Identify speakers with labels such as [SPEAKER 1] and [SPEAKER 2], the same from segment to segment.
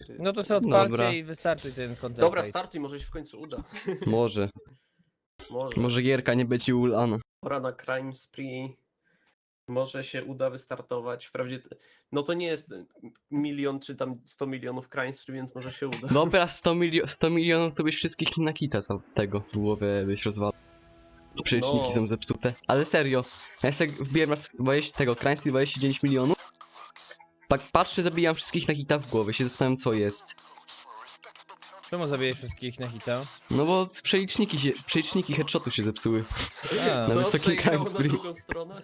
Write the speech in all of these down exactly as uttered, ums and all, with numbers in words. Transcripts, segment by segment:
[SPEAKER 1] cztery.
[SPEAKER 2] No to sobie odpalcie
[SPEAKER 3] Dobra.
[SPEAKER 2] i wystarczy ten content.
[SPEAKER 1] Dobra,
[SPEAKER 2] fate.
[SPEAKER 1] startuj, może się w końcu uda.
[SPEAKER 3] Może.
[SPEAKER 1] Może.
[SPEAKER 3] Może gierka nie będzie ulana.
[SPEAKER 1] Pora na Crime Spree. Może się uda wystartować. Wprawdzie, t- no to nie jest milion czy tam sto milionów Crime Spree, więc może się uda.
[SPEAKER 3] Dobra, sto, milio sto milionów to byś wszystkich na kita za tego w głowę byś rozwalał. Przecieżniki
[SPEAKER 1] No.
[SPEAKER 3] są zepsute. Ale serio, ja sobie wbiłem raz dwadzieścia tego Cransty dwadzieścia dziewięć milionów. Tak patrzę, zabijam wszystkich na kita w głowę, się zastanawiam co jest.
[SPEAKER 2] Czemu zabijesz wszystkich na hita?
[SPEAKER 3] No bo przeliczniki się, przeliczniki headshotu się zepsuły.
[SPEAKER 2] A,
[SPEAKER 3] Na
[SPEAKER 1] Co,
[SPEAKER 3] wysokim
[SPEAKER 1] przejechało
[SPEAKER 3] Crime
[SPEAKER 1] na
[SPEAKER 3] Spree.
[SPEAKER 1] drugą stronę?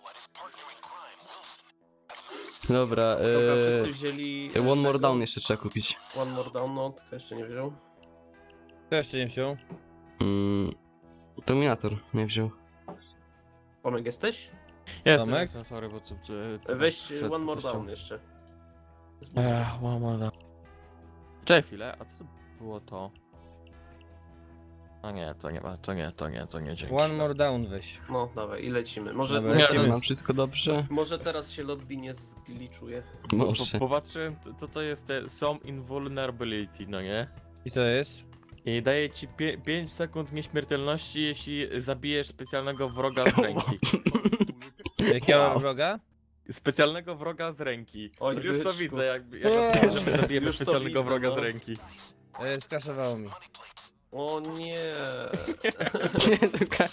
[SPEAKER 3] Dobra,
[SPEAKER 1] Dobra, wszyscy
[SPEAKER 3] eee,
[SPEAKER 1] wzięli...
[SPEAKER 3] One More
[SPEAKER 1] tego.
[SPEAKER 3] Down jeszcze trzeba kupić.
[SPEAKER 1] One More Down, no, kto jeszcze nie wziął?
[SPEAKER 2] kto jeszcze nie wziął?
[SPEAKER 3] Mm, Dominator nie wziął.
[SPEAKER 1] Tomek jesteś?
[SPEAKER 4] Jestem,
[SPEAKER 2] Tomek?
[SPEAKER 4] jestem, sorry, bo co... czy- czy-
[SPEAKER 1] Weź
[SPEAKER 4] przed-
[SPEAKER 1] One More
[SPEAKER 4] coś tam-
[SPEAKER 1] Down jeszcze.
[SPEAKER 4] Ech, One More Down. Czekaj chwilę, a co to było to? A nie, to nie ma, to nie, to nie, to nie, dzięki.
[SPEAKER 2] One more down weź.
[SPEAKER 1] No, dawaj, i lecimy. Może,
[SPEAKER 2] Dobra,
[SPEAKER 1] może,
[SPEAKER 2] lecimy.
[SPEAKER 1] teraz,
[SPEAKER 3] Mam wszystko dobrze?
[SPEAKER 1] może teraz się lobby nie zgliczuje.
[SPEAKER 4] Po,
[SPEAKER 3] Może.
[SPEAKER 4] popatrzyłem, co- co to jest te some invulnerability, no nie?
[SPEAKER 2] I co jest?
[SPEAKER 4] I daje ci pięć sekund nieśmiertelności, jeśli zabijesz specjalnego wroga z ręki.
[SPEAKER 2] Jakiego
[SPEAKER 3] Wow.
[SPEAKER 2] wroga?
[SPEAKER 4] Specjalnego wroga z ręki.
[SPEAKER 1] Oj,
[SPEAKER 4] Już to
[SPEAKER 1] byczku.
[SPEAKER 4] widzę, jak, jak rozumiem, że my zabijemy
[SPEAKER 1] Już to
[SPEAKER 4] specjalnego
[SPEAKER 1] widzę,
[SPEAKER 4] wroga
[SPEAKER 1] no.
[SPEAKER 4] z ręki.
[SPEAKER 2] E, skraszowało mi.
[SPEAKER 1] O nie.
[SPEAKER 3] Nie, tylko...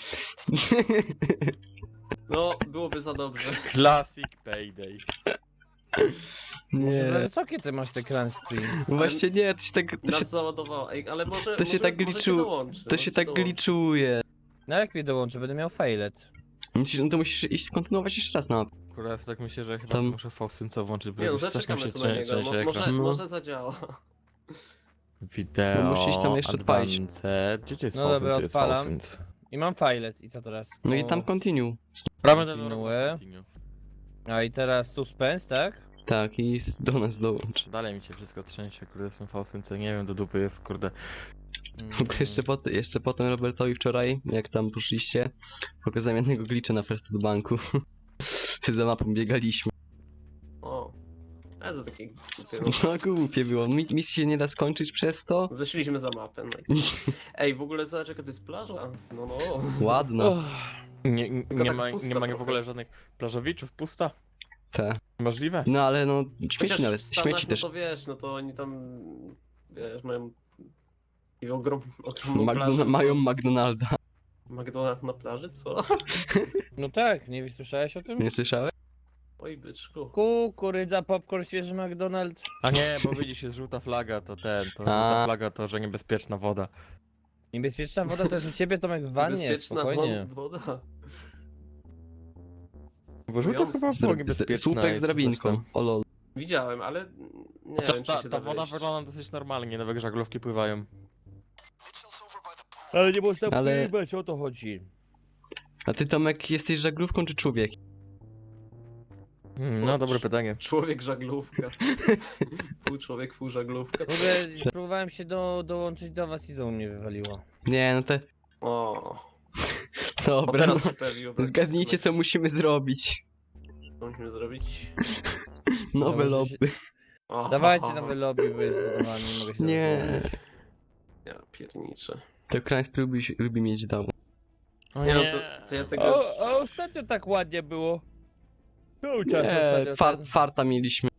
[SPEAKER 1] No, byłoby za dobrze.
[SPEAKER 4] Classic payday.
[SPEAKER 2] Może za
[SPEAKER 3] Nie.
[SPEAKER 2] wysokie ty masz te crime spree.
[SPEAKER 3] Właśnie nie, to się tak... To się,
[SPEAKER 1] Nas załadowało. Ej, ale może,
[SPEAKER 3] to się
[SPEAKER 1] może,
[SPEAKER 3] tak
[SPEAKER 1] może
[SPEAKER 3] gliczu-
[SPEAKER 1] się dołączy.
[SPEAKER 3] to
[SPEAKER 1] może
[SPEAKER 3] się tak
[SPEAKER 1] dołączy.
[SPEAKER 3] gliczuje.
[SPEAKER 2] No jak mi dołączy, będę miał failet.
[SPEAKER 3] Musisz, no to musisz iść kontynuować jeszcze raz na mapę.
[SPEAKER 4] Kurwa, ja tak myślę, że chyba
[SPEAKER 3] Tam-
[SPEAKER 4] muszę Faustynco włączyć, bo
[SPEAKER 1] Nie no,
[SPEAKER 4] jakoś strasznie
[SPEAKER 1] zaczekamy
[SPEAKER 4] się
[SPEAKER 1] tu na niego.
[SPEAKER 4] trzęsie
[SPEAKER 1] Mo- może,
[SPEAKER 4] ekran.
[SPEAKER 3] No.
[SPEAKER 1] może zadziała.
[SPEAKER 4] Wideo,
[SPEAKER 3] No musisz tam jeszcze odpalić.
[SPEAKER 4] advanced. Gdzie to jest
[SPEAKER 2] No
[SPEAKER 4] Faustyn?
[SPEAKER 2] dobra,
[SPEAKER 4] Tu jest
[SPEAKER 2] odpalam.
[SPEAKER 4] Faustyn.
[SPEAKER 2] I mam failet. I co teraz?
[SPEAKER 3] No i
[SPEAKER 2] O.
[SPEAKER 3] tam continue.
[SPEAKER 4] Prawy ten
[SPEAKER 2] Kontynuuję.
[SPEAKER 4] continue.
[SPEAKER 2] A i teraz suspense, tak?
[SPEAKER 3] Tak, i s- do nas dołącz.
[SPEAKER 4] Dalej mi się wszystko trzęsie, kurde, jestem Faustynce, nie wiem, do dupy jest, kurde.
[SPEAKER 3] W ogóle jeszcze, pot jeszcze potem Robertowi wczoraj, jak tam poszliście, pokazałem jednego glitcha na First do banku. Za mapą biegaliśmy.
[SPEAKER 1] O. Ale to takie głupie, no.
[SPEAKER 3] No głupie było, Mi misji się nie da skończyć przez to.
[SPEAKER 1] Wyszliśmy za mapę. No. i- Ej, w ogóle zobacz jaka to jest plaża. No no.
[SPEAKER 3] Ładno.
[SPEAKER 4] Nie, nie, nie
[SPEAKER 1] tak
[SPEAKER 4] ma,
[SPEAKER 1] pusta
[SPEAKER 4] nie ma w
[SPEAKER 1] trochę.
[SPEAKER 4] ogóle żadnych plażowiczów, pusta?
[SPEAKER 3] Te.
[SPEAKER 4] Możliwe?
[SPEAKER 3] No ale no,
[SPEAKER 1] Chociaż
[SPEAKER 3] śmieci nawet,
[SPEAKER 1] w Stanach,
[SPEAKER 3] śmieci
[SPEAKER 1] no
[SPEAKER 3] też.
[SPEAKER 1] to wiesz, no to oni tam, wiesz, mają i ogrom, ogromną plażę.
[SPEAKER 3] Magdona
[SPEAKER 1] to-
[SPEAKER 3] mają McDonalda.
[SPEAKER 1] McDonald's na plaży, co?
[SPEAKER 2] No tak, nie słyszałeś o tym?
[SPEAKER 3] Nie słyszałeś?
[SPEAKER 1] Oj, byczku.
[SPEAKER 2] Kukurydza, popcorn, świeży McDonald's.
[SPEAKER 4] A nie, bo widzisz, jest żółta flaga, to ten, to żółta
[SPEAKER 3] A.
[SPEAKER 4] flaga to, że niebezpieczna woda.
[SPEAKER 2] Niebezpieczna woda to jest u ciebie, Tomek, w wannie,
[SPEAKER 1] Bezpieczna
[SPEAKER 2] spokojnie.
[SPEAKER 1] wod- woda.
[SPEAKER 4] Bo żółta
[SPEAKER 1] Mówiąc
[SPEAKER 4] chyba
[SPEAKER 3] Z,
[SPEAKER 4] była
[SPEAKER 3] z,
[SPEAKER 4] niebezpieczna.
[SPEAKER 3] słupek
[SPEAKER 4] i
[SPEAKER 3] z
[SPEAKER 4] coś
[SPEAKER 3] drabinką.
[SPEAKER 4] tam.
[SPEAKER 3] O lol.
[SPEAKER 1] Widziałem, ale nie
[SPEAKER 4] Chociaż
[SPEAKER 1] wiem, czy
[SPEAKER 4] ta,
[SPEAKER 1] się
[SPEAKER 4] ta
[SPEAKER 1] da
[SPEAKER 4] woda
[SPEAKER 1] wejść.
[SPEAKER 4] wygląda dosyć normalnie, nowe żaglówki pływają.
[SPEAKER 2] Ale nie można
[SPEAKER 3] Ale-
[SPEAKER 2] pływać, o to chodzi.
[SPEAKER 3] A ty Tomek jesteś żaglówką czy człowiek?
[SPEAKER 4] Hmm, no, dobre pytanie.
[SPEAKER 1] Człowiek żaglówka. Pół człowiek, pół żaglówka.
[SPEAKER 2] W ogóle próbowałem się do, dołączyć do was i znowu mnie wywaliło.
[SPEAKER 3] Nie, no te...
[SPEAKER 1] O, o
[SPEAKER 3] Dobra, no.
[SPEAKER 1] teraz się pojawiło. brak
[SPEAKER 3] Zgadnijcie co musimy zrobić.
[SPEAKER 1] Co musimy zrobić?
[SPEAKER 3] Nowe
[SPEAKER 2] może się-
[SPEAKER 3] lobby.
[SPEAKER 1] O,
[SPEAKER 2] Dawajcie nowy lobby, bo jest zbudowany, nie mogę się
[SPEAKER 3] Nie.
[SPEAKER 2] rozłączyć.
[SPEAKER 1] Ja pierniczę.
[SPEAKER 3] To Krańsk lubi, lubi mieć dał.
[SPEAKER 4] O
[SPEAKER 1] Nie no, to, to ja tego...
[SPEAKER 2] O, a ostatnio tak ładnie było. Cały czas
[SPEAKER 3] Nie,
[SPEAKER 2] ostatnio
[SPEAKER 3] far,
[SPEAKER 2] ten...
[SPEAKER 3] farta mieliśmy.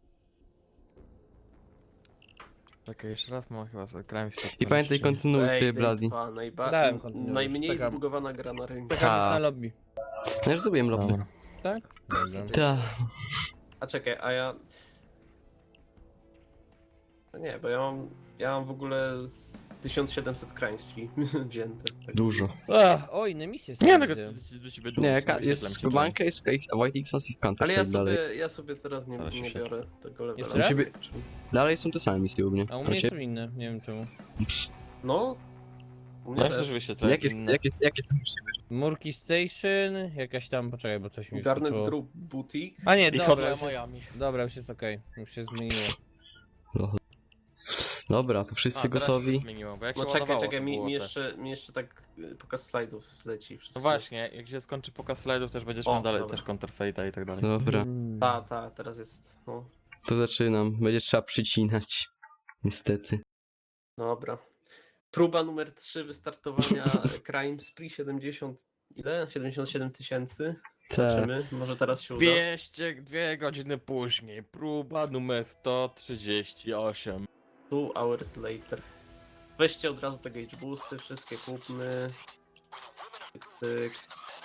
[SPEAKER 4] Czekaj, jeszcze raz mam chyba sobie grałem w świat.
[SPEAKER 3] I pamiętaj, kontynuuj sobie, Bradley.
[SPEAKER 1] dwa, najba...
[SPEAKER 2] Dałem kontynuować,
[SPEAKER 1] najmniej
[SPEAKER 2] czekam.
[SPEAKER 1] zbugowana gra na rynku.
[SPEAKER 2] Czekam już
[SPEAKER 3] Ha.
[SPEAKER 2] na lobby.
[SPEAKER 3] No już zrobiłem lobby.
[SPEAKER 4] Dobra.
[SPEAKER 2] Tak? Dobrze.
[SPEAKER 3] Tak.
[SPEAKER 1] A czekaj, a ja... No nie, bo ja mam... Ja mam w ogóle z tysiąc siedemset krańskich wzięte. Tak.
[SPEAKER 3] Dużo.
[SPEAKER 2] Ach, o, inne misje są.
[SPEAKER 4] Nie, no,
[SPEAKER 2] widzę.
[SPEAKER 4] do, do ciebie
[SPEAKER 3] Nie,
[SPEAKER 4] dołączę,
[SPEAKER 3] ka-
[SPEAKER 4] wyświetlam
[SPEAKER 3] jest
[SPEAKER 4] ci
[SPEAKER 3] skubanka, jest White Xmas i Counter
[SPEAKER 1] Ale ja
[SPEAKER 3] dalej.
[SPEAKER 1] sobie, ja sobie teraz nie,
[SPEAKER 4] Ale się
[SPEAKER 1] nie
[SPEAKER 4] świetnie.
[SPEAKER 1] biorę tego levela.
[SPEAKER 2] Jeszcze raz?
[SPEAKER 3] Ciebie- Dalej są te same misje u mnie.
[SPEAKER 2] A u
[SPEAKER 3] A
[SPEAKER 2] mnie
[SPEAKER 3] ciebie-
[SPEAKER 2] są inne, nie wiem czemu.
[SPEAKER 1] No. U mnie
[SPEAKER 4] No,
[SPEAKER 1] też.
[SPEAKER 4] też wyświetlę.
[SPEAKER 3] Jakie, jakie, jakie są u siebie?
[SPEAKER 2] Murki Station, jakaś tam, poczekaj, bo coś mi
[SPEAKER 1] Garnet
[SPEAKER 2] wyskoczyło.
[SPEAKER 1] Group Boutique.
[SPEAKER 2] A nie,
[SPEAKER 4] I
[SPEAKER 2] dobra,
[SPEAKER 4] Hotline
[SPEAKER 2] już jest,
[SPEAKER 4] Miami.
[SPEAKER 2] dobra, już jest okej, już się zmieniło.
[SPEAKER 3] Dobra, to wszyscy
[SPEAKER 4] A, teraz się
[SPEAKER 3] gotowi.
[SPEAKER 4] to zmieniło, bo jak
[SPEAKER 1] No
[SPEAKER 4] się
[SPEAKER 1] czekaj,
[SPEAKER 4] ładowało,
[SPEAKER 1] czekaj,
[SPEAKER 4] to
[SPEAKER 1] mi,
[SPEAKER 4] było
[SPEAKER 1] mi,
[SPEAKER 4] te-
[SPEAKER 1] jeszcze, mi jeszcze tak y, pokaz slajdów leci. Wszystko.
[SPEAKER 4] No właśnie, jak się skończy pokaz slajdów, też będziesz
[SPEAKER 1] O,
[SPEAKER 4] miał dalej
[SPEAKER 1] dobra.
[SPEAKER 4] też counterfeita i tak dalej.
[SPEAKER 3] Dobra,
[SPEAKER 2] Mm.
[SPEAKER 1] Ta, ta, teraz jest. No.
[SPEAKER 3] to zaczynam. Będzie trzeba przycinać. Niestety.
[SPEAKER 1] Dobra. Próba numer trzy wystartowania Crime Spree siedemdziesiąt. Ile? siedemdziesiąt siedem tysięcy.
[SPEAKER 3] Tak.
[SPEAKER 1] Zobaczymy. Może teraz się uda.
[SPEAKER 4] dwieście, dwie godziny później, próba numer sto trzydzieści osiem.
[SPEAKER 1] Two hours later. Weźcie od razu te gauge boosty, wszystkie kupmy. Cyk, cyk.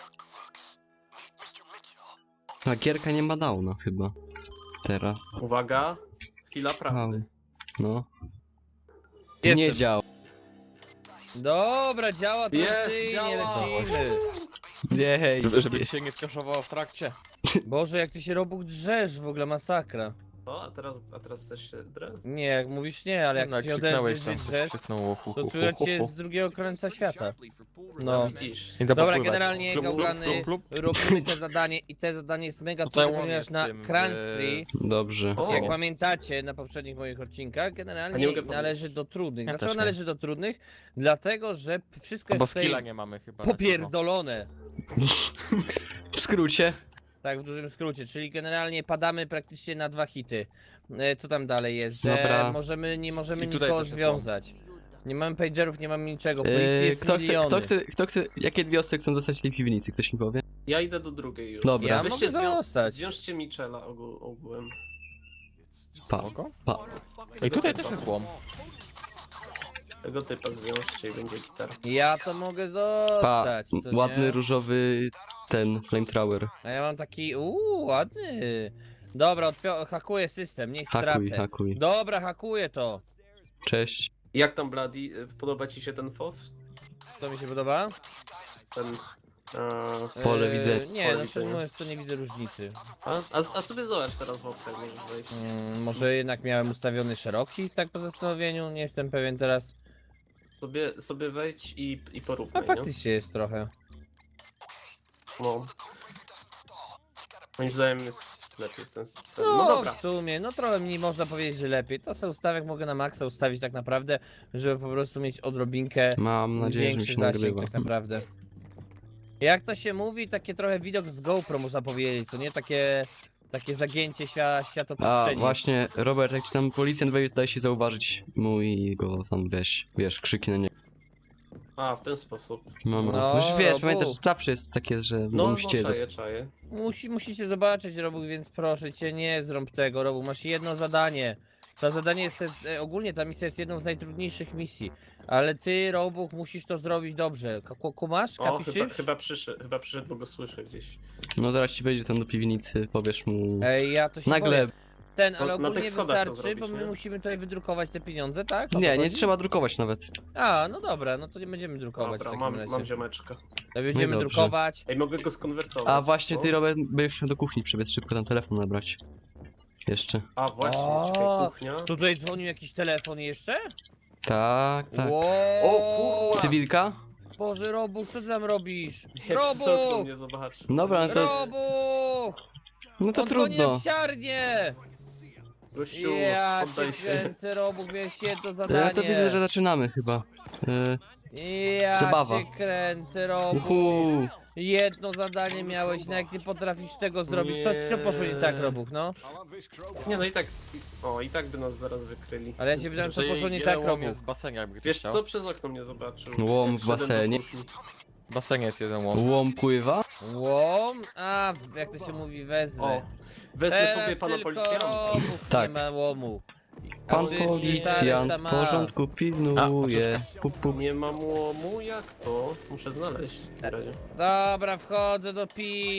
[SPEAKER 3] A gierka nie ma downa chyba. Teraz.
[SPEAKER 1] Uwaga. Chwila
[SPEAKER 3] Wow.
[SPEAKER 1] prawdy.
[SPEAKER 3] No.
[SPEAKER 2] Jestem.
[SPEAKER 3] Nie działa.
[SPEAKER 2] Dobra, działa
[SPEAKER 1] Jest,
[SPEAKER 2] tradycyjnie,
[SPEAKER 1] działa.
[SPEAKER 2] lecimy.
[SPEAKER 3] Jej.
[SPEAKER 4] Żeby, żeby ci się nie skaszowało w trakcie.
[SPEAKER 2] Boże, jak ty się Robuk drzesz, w ogóle masakra.
[SPEAKER 1] O, a teraz, a teraz też się drę?
[SPEAKER 2] Nie, jak mówisz nie, ale jak
[SPEAKER 4] No,
[SPEAKER 2] ty się
[SPEAKER 4] krzyknąłeś
[SPEAKER 2] odezwiesz,
[SPEAKER 4] tam,
[SPEAKER 2] drzesz,
[SPEAKER 4] krzyknął, hu,
[SPEAKER 2] to
[SPEAKER 4] hu,
[SPEAKER 2] czuję
[SPEAKER 4] hu,
[SPEAKER 2] cię
[SPEAKER 4] hu.
[SPEAKER 2] z drugiego końca świata.
[SPEAKER 1] No
[SPEAKER 2] No.
[SPEAKER 1] widzisz.
[SPEAKER 4] Nie da
[SPEAKER 2] Dobra,
[SPEAKER 4] popływać.
[SPEAKER 2] generalnie
[SPEAKER 4] Klub, klub,
[SPEAKER 2] gałgany
[SPEAKER 4] klub, klub.
[SPEAKER 2] robimy te zadanie i te zadanie jest mega
[SPEAKER 4] Tutaj
[SPEAKER 2] trudne,
[SPEAKER 4] on
[SPEAKER 2] ponieważ
[SPEAKER 4] jest
[SPEAKER 2] na
[SPEAKER 4] tym,
[SPEAKER 2] Crime
[SPEAKER 4] e,
[SPEAKER 2] Spree,
[SPEAKER 3] Dobrze.
[SPEAKER 1] O.
[SPEAKER 2] jak pamiętacie na poprzednich moich odcinkach,
[SPEAKER 1] A nie
[SPEAKER 2] generalnie
[SPEAKER 1] mogę
[SPEAKER 2] należy
[SPEAKER 1] powiedzieć.
[SPEAKER 2] do trudnych.
[SPEAKER 4] Ja
[SPEAKER 2] Dlaczego
[SPEAKER 4] też nie.
[SPEAKER 2] należy do trudnych? Dlatego, że wszystko
[SPEAKER 4] Bo
[SPEAKER 2] jest tutaj
[SPEAKER 4] skilla nie mamy chyba. na
[SPEAKER 2] popierdolone.
[SPEAKER 3] W skrócie.
[SPEAKER 2] Tak, w dużym skrócie, czyli generalnie padamy praktycznie na dwa hity. E, Co tam dalej jest, że
[SPEAKER 3] Dobra.
[SPEAKER 2] możemy, nie możemy
[SPEAKER 4] I tutaj
[SPEAKER 2] nikogo
[SPEAKER 4] też jest
[SPEAKER 2] związać. Nie mamy pagerów, nie mamy niczego, policji
[SPEAKER 3] Yy,
[SPEAKER 2] jest
[SPEAKER 3] kto, chce,
[SPEAKER 2] miliony.
[SPEAKER 3] kto, chce, kto chce, jakie dwie osoby chcą zostać w tej piwnicy? Ktoś mi powie?
[SPEAKER 1] Ja idę do drugiej już.
[SPEAKER 3] Dobra.
[SPEAKER 2] Ja
[SPEAKER 1] Weźcie
[SPEAKER 2] mogę
[SPEAKER 1] zwią-
[SPEAKER 2] zostać.
[SPEAKER 1] Zwiążcie Michela ogół, ogółem.
[SPEAKER 3] Pa.
[SPEAKER 4] Spoko.
[SPEAKER 3] Pa.
[SPEAKER 4] I tutaj też jest łom.
[SPEAKER 1] Tego typa zwiążcie i będzie gitara.
[SPEAKER 2] Ja to mogę
[SPEAKER 3] Pa.
[SPEAKER 2] zostać, co nie?
[SPEAKER 3] Ładny różowy ten flamethrower.
[SPEAKER 2] A ja mam taki, uuu, ładny. Dobra, otwio- hakuję system, niech
[SPEAKER 3] Hakuj,
[SPEAKER 2] stracę.
[SPEAKER 3] hakuj.
[SPEAKER 2] Dobra, hakuję to.
[SPEAKER 3] Cześć.
[SPEAKER 1] Jak tam Bloody? Y, Podoba ci się ten F O W?
[SPEAKER 2] To mi się podoba?
[SPEAKER 1] Ten... A,
[SPEAKER 3] Pole
[SPEAKER 2] Eee,
[SPEAKER 3] widzę.
[SPEAKER 2] Nie,
[SPEAKER 1] Pole
[SPEAKER 2] no
[SPEAKER 1] widzę,
[SPEAKER 2] szczerze
[SPEAKER 1] nie?
[SPEAKER 2] mówiąc to nie widzę różnicy.
[SPEAKER 1] a, a, a sobie zobacz teraz w opcjach możesz wejść.
[SPEAKER 2] Mm, może jednak miałem ustawiony szeroki, tak po zastanowieniu, nie jestem pewien teraz.
[SPEAKER 1] Sobie, sobie wejdź i, i
[SPEAKER 2] A
[SPEAKER 1] porównaj, nie?
[SPEAKER 2] faktycznie jest trochę.
[SPEAKER 1] No. Moim zdaniem jest lepiej w ten system.
[SPEAKER 2] No,
[SPEAKER 1] No dobra.
[SPEAKER 2] w sumie, no trochę mi można powiedzieć, że lepiej. To sobie ustawiak mogę na maksa ustawić tak naprawdę, żeby po prostu mieć odrobinkę
[SPEAKER 3] Mam nadzieję, że mi
[SPEAKER 2] większy
[SPEAKER 3] się
[SPEAKER 2] zasięg
[SPEAKER 3] nagrywa.
[SPEAKER 2] tak naprawdę. Jak to się mówi, takie trochę widok z GoPro można powiedzieć, co nie? Takie, takie zagięcie świa,
[SPEAKER 3] A
[SPEAKER 2] światoprzestrzeni.
[SPEAKER 3] właśnie, Robert, jak ci tam policjant wejdzie, daj się zauważyć mu i go tam weź, wiesz, krzyki na niego.
[SPEAKER 1] A, w ten sposób.
[SPEAKER 3] No, no.
[SPEAKER 2] No,
[SPEAKER 3] Już wiesz,
[SPEAKER 2] Robu.
[SPEAKER 3] pamiętasz, zawsze jest takie, że
[SPEAKER 1] No,
[SPEAKER 3] no,
[SPEAKER 1] no
[SPEAKER 3] musicie...
[SPEAKER 1] czaję, czaję.
[SPEAKER 2] Musi, musicie zobaczyć, Robu, więc proszę cię, nie zrąb tego, Robu. Masz jedno zadanie. To zadanie jest też, e, ogólnie ta misja jest jedną z najtrudniejszych misji. Ale ty, Robuch, musisz to zrobić dobrze. K- ku- Kumasz?
[SPEAKER 1] O,
[SPEAKER 2] Kapiszysz?
[SPEAKER 1] chyba, chyba, przyszedł, chyba przyszedł, bo go słyszę gdzieś.
[SPEAKER 3] No zaraz ci wejdzie tam do piwnicy, powiesz mu...
[SPEAKER 2] Ej, ja to się
[SPEAKER 3] Nagle...
[SPEAKER 2] boję. Ten, ale
[SPEAKER 1] No, na
[SPEAKER 2] ogólnie
[SPEAKER 1] tych schodach to
[SPEAKER 2] wystarczy, bo
[SPEAKER 1] zrobić,
[SPEAKER 2] my
[SPEAKER 1] nie?
[SPEAKER 2] musimy tutaj wydrukować te pieniądze, tak? O to
[SPEAKER 3] Nie, nie
[SPEAKER 2] chodzi?
[SPEAKER 3] trzeba drukować nawet.
[SPEAKER 2] A, no dobra, no to nie będziemy drukować w
[SPEAKER 1] Dobra,
[SPEAKER 2] takim
[SPEAKER 1] mam,
[SPEAKER 2] razie.
[SPEAKER 1] mam ziomeczka.
[SPEAKER 2] To będziemy
[SPEAKER 3] No dobrze.
[SPEAKER 2] drukować.
[SPEAKER 1] Ej, mogę go skonwertować.
[SPEAKER 3] A właśnie
[SPEAKER 1] no?
[SPEAKER 3] ty, Robert, będziesz musiał do kuchni przebiec szybko tam telefon nabrać. Jeszcze.
[SPEAKER 1] A, właśnie,
[SPEAKER 2] O,
[SPEAKER 1] czekaj, kuchnia.
[SPEAKER 2] Tutaj dzwonił jakiś telefon jeszcze?
[SPEAKER 3] Tak, tak.
[SPEAKER 2] Wow.
[SPEAKER 1] O, kurwa.
[SPEAKER 3] Cywilka?
[SPEAKER 2] Boże, Robuch, co ty tam robisz?
[SPEAKER 1] Nie, przez okno
[SPEAKER 2] Robuch!
[SPEAKER 1] mnie zobaczy.
[SPEAKER 3] Dobra, no to,
[SPEAKER 2] Robuch!
[SPEAKER 3] no to
[SPEAKER 2] On dzwoni na
[SPEAKER 3] trudno.
[SPEAKER 2] psiarnię!
[SPEAKER 1] Gościu,
[SPEAKER 2] Ja
[SPEAKER 1] oddaj
[SPEAKER 2] cię
[SPEAKER 1] się.
[SPEAKER 2] kręcę, Robuch, miałeś jedno
[SPEAKER 3] Ja
[SPEAKER 2] zadanie.
[SPEAKER 3] to widzę, że zaczynamy chyba. E,
[SPEAKER 2] Ja
[SPEAKER 3] Zabawa.
[SPEAKER 2] cię kręcę, Robuch.
[SPEAKER 3] uhu.
[SPEAKER 2] Jedno zadanie miałeś, no jak nie potrafisz tego zrobić, co ci to poszło nie tak, Robuch, no?
[SPEAKER 1] Nie, no i tak, o, i tak by nas zaraz wykryli.
[SPEAKER 2] Ale ja się pytam, co
[SPEAKER 4] Że
[SPEAKER 2] poszło nie
[SPEAKER 4] jeden
[SPEAKER 2] tak,
[SPEAKER 4] łom
[SPEAKER 2] Robuch.
[SPEAKER 4] jest w basenie, jakby ktoś
[SPEAKER 1] Wiesz
[SPEAKER 4] chciał.
[SPEAKER 1] co, przez okno mnie zobaczył.
[SPEAKER 3] Łom
[SPEAKER 1] Jak
[SPEAKER 3] w
[SPEAKER 1] wszedłem do
[SPEAKER 3] basenie.
[SPEAKER 1] kuchni.
[SPEAKER 4] W basenie jest jeden łom.
[SPEAKER 3] Łom pływa?
[SPEAKER 2] Łom? A, jak to się mówi, wezmę.
[SPEAKER 1] O, wezmę
[SPEAKER 2] Teraz
[SPEAKER 1] sobie pana
[SPEAKER 2] tylko
[SPEAKER 1] policjanta.
[SPEAKER 2] Robuch
[SPEAKER 3] Tak.
[SPEAKER 2] nie ma łomu. A
[SPEAKER 3] Pan
[SPEAKER 2] wszyscy, cała
[SPEAKER 3] policjant
[SPEAKER 2] reszta
[SPEAKER 3] w
[SPEAKER 2] ma.
[SPEAKER 3] porządku pilnuje. Pup, pup.
[SPEAKER 1] Nie mam łomu, jak to? Muszę znaleźć. w takim razie.
[SPEAKER 2] Dobra, wchodzę do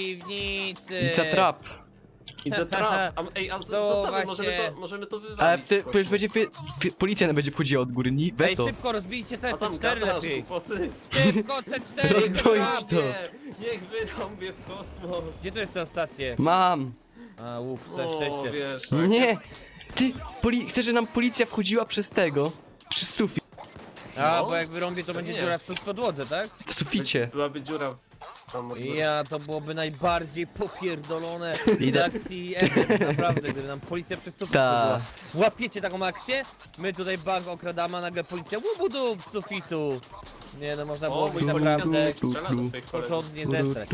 [SPEAKER 2] piwnicy.
[SPEAKER 3] Pizza trap.
[SPEAKER 1] Widzę trap. A, ej, a z-
[SPEAKER 2] Suwa
[SPEAKER 1] zostawmy, możemy
[SPEAKER 2] się.
[SPEAKER 1] to, możemy to
[SPEAKER 3] Ale
[SPEAKER 1] wywalić.
[SPEAKER 3] ty,
[SPEAKER 1] w kosmos.
[SPEAKER 3] przecież będzie, wy- wy- policja będzie wchodziła od góry, nie?
[SPEAKER 2] Ej,
[SPEAKER 3] Weź to.
[SPEAKER 2] szybko rozbijcie te
[SPEAKER 1] A tam
[SPEAKER 2] C cztery
[SPEAKER 1] gadasz,
[SPEAKER 2] lepiej.
[SPEAKER 1] głupoty.
[SPEAKER 2] Szybko, C cztery,
[SPEAKER 3] Rozbroić
[SPEAKER 2] C
[SPEAKER 3] to.
[SPEAKER 2] cztery.
[SPEAKER 1] Nie, niech wydał mnie w kosmos.
[SPEAKER 2] Gdzie to jest to ostatnie?
[SPEAKER 3] Mam.
[SPEAKER 2] A, uff, co
[SPEAKER 1] O,
[SPEAKER 2] szczęście.
[SPEAKER 1] wiesz, tak.
[SPEAKER 3] Nie. Ty, poli chcesz, że nam policja wchodziła przez tego? Przez sufit.
[SPEAKER 2] A,
[SPEAKER 1] No,
[SPEAKER 2] bo jak wyrąbię, to
[SPEAKER 1] to
[SPEAKER 2] będzie
[SPEAKER 1] nie.
[SPEAKER 2] dziura w stód podłodze, tak?
[SPEAKER 3] W suficie.
[SPEAKER 1] Byłaby dziura w tam od góry.
[SPEAKER 2] Ja, to byłoby najbardziej popierdolone z
[SPEAKER 3] Idę.
[SPEAKER 2] akcji ever, naprawdę, gdyby nam policja przez sufit
[SPEAKER 3] Ta.
[SPEAKER 2] wchodziła. Łapiecie taką akcję? My tutaj bank okradamy, a nagle policja łubudu z sufitu. Nie no, można
[SPEAKER 1] O,
[SPEAKER 2] było
[SPEAKER 1] mój
[SPEAKER 2] być
[SPEAKER 1] policjant
[SPEAKER 2] naprawdę
[SPEAKER 1] strzela do swoich kolegów.
[SPEAKER 2] porządnie zestrać.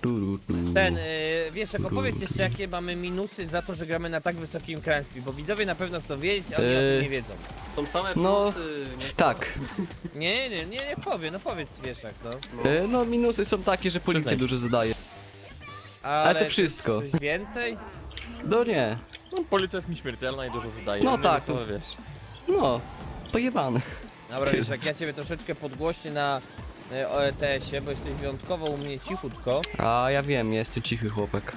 [SPEAKER 2] Ten, yy, wiesz, jak opowiedz jeszcze jakie mamy minusy za to, że gramy na tak wysokim Crime Spree, bo widzowie na pewno chcą wiedzieć, ale oni o
[SPEAKER 3] Eee.
[SPEAKER 2] tym nie wiedzą.
[SPEAKER 1] Są same
[SPEAKER 3] No,
[SPEAKER 1] plusy. Nie
[SPEAKER 3] Tak.
[SPEAKER 2] Nie, nie, nie, nie powiem, no powiedz Wieszak, no.
[SPEAKER 1] No.
[SPEAKER 3] E, No minusy są takie, że policja
[SPEAKER 4] Przyznaj.
[SPEAKER 3] dużo zadaje.
[SPEAKER 2] Ale,
[SPEAKER 3] to
[SPEAKER 2] coś-
[SPEAKER 3] wszystko.
[SPEAKER 2] Coś więcej?
[SPEAKER 3] No nie.
[SPEAKER 4] No, policja jest mi śmiertelna i dużo zadaje.
[SPEAKER 3] No
[SPEAKER 4] Innymi
[SPEAKER 3] tak.
[SPEAKER 4] słowy, wiesz.
[SPEAKER 3] No. Pojebane.
[SPEAKER 2] Dobra, Wieszak, ja ciebie troszeczkę podgłośnię na e, O E T S-ie, bo jesteś wyjątkowo u mnie cichutko.
[SPEAKER 3] A ja wiem, ja jestem cichy chłopak.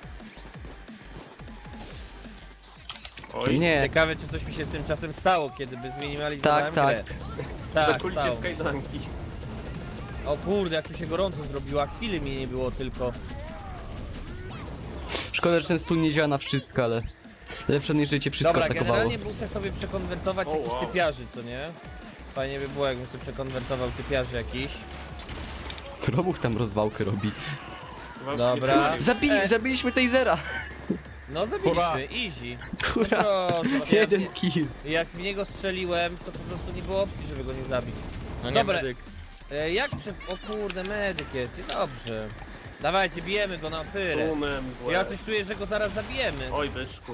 [SPEAKER 1] Oj,
[SPEAKER 3] Nie.
[SPEAKER 2] Ciekawe, czy coś mi się tymczasem stało, kiedy by
[SPEAKER 3] Tak,
[SPEAKER 2] zminimalizowałem
[SPEAKER 3] tak.
[SPEAKER 2] grę. Tak,
[SPEAKER 1] zakulicie
[SPEAKER 2] stało.
[SPEAKER 1] w kajdanki.
[SPEAKER 2] O kurde, jak tu się gorąco zrobiło, a chwili mi nie było tylko.
[SPEAKER 3] Szkoda, że ten stół nie działa na wszystko, ale... Lepsze niż życie wszystko
[SPEAKER 2] Dobra,
[SPEAKER 3] atakowało.
[SPEAKER 2] generalnie muszę sobie przekonwertować
[SPEAKER 1] O,
[SPEAKER 2] jakichś
[SPEAKER 1] wow.
[SPEAKER 2] typiarzy, co nie? Fajnie by było, jakbym sobie przekonwertował typiarzy jakiś.
[SPEAKER 3] Robuch tam rozwałkę robi.
[SPEAKER 1] Wam
[SPEAKER 2] Dobra.
[SPEAKER 1] nie powiem.
[SPEAKER 3] Zabili,
[SPEAKER 2] E.
[SPEAKER 3] zabiliśmy Tasera!
[SPEAKER 2] No zabiliśmy,
[SPEAKER 4] Hurra.
[SPEAKER 2] easy. No
[SPEAKER 3] Hurra!
[SPEAKER 2] proszę, ja,
[SPEAKER 3] Jeden kill.
[SPEAKER 2] jak w niego strzeliłem, to po prostu nie było opcji, żeby go nie zabić.
[SPEAKER 4] No nie,
[SPEAKER 2] Dobra.
[SPEAKER 4] medyk.
[SPEAKER 2] E, jak prze... O kurde, medyk jest, i dobrze. Dawajcie, bijemy go na pyrę.
[SPEAKER 1] Tłumem w łeb.
[SPEAKER 2] Ja coś czuję, że go zaraz zabijemy.
[SPEAKER 1] Oj, byczku.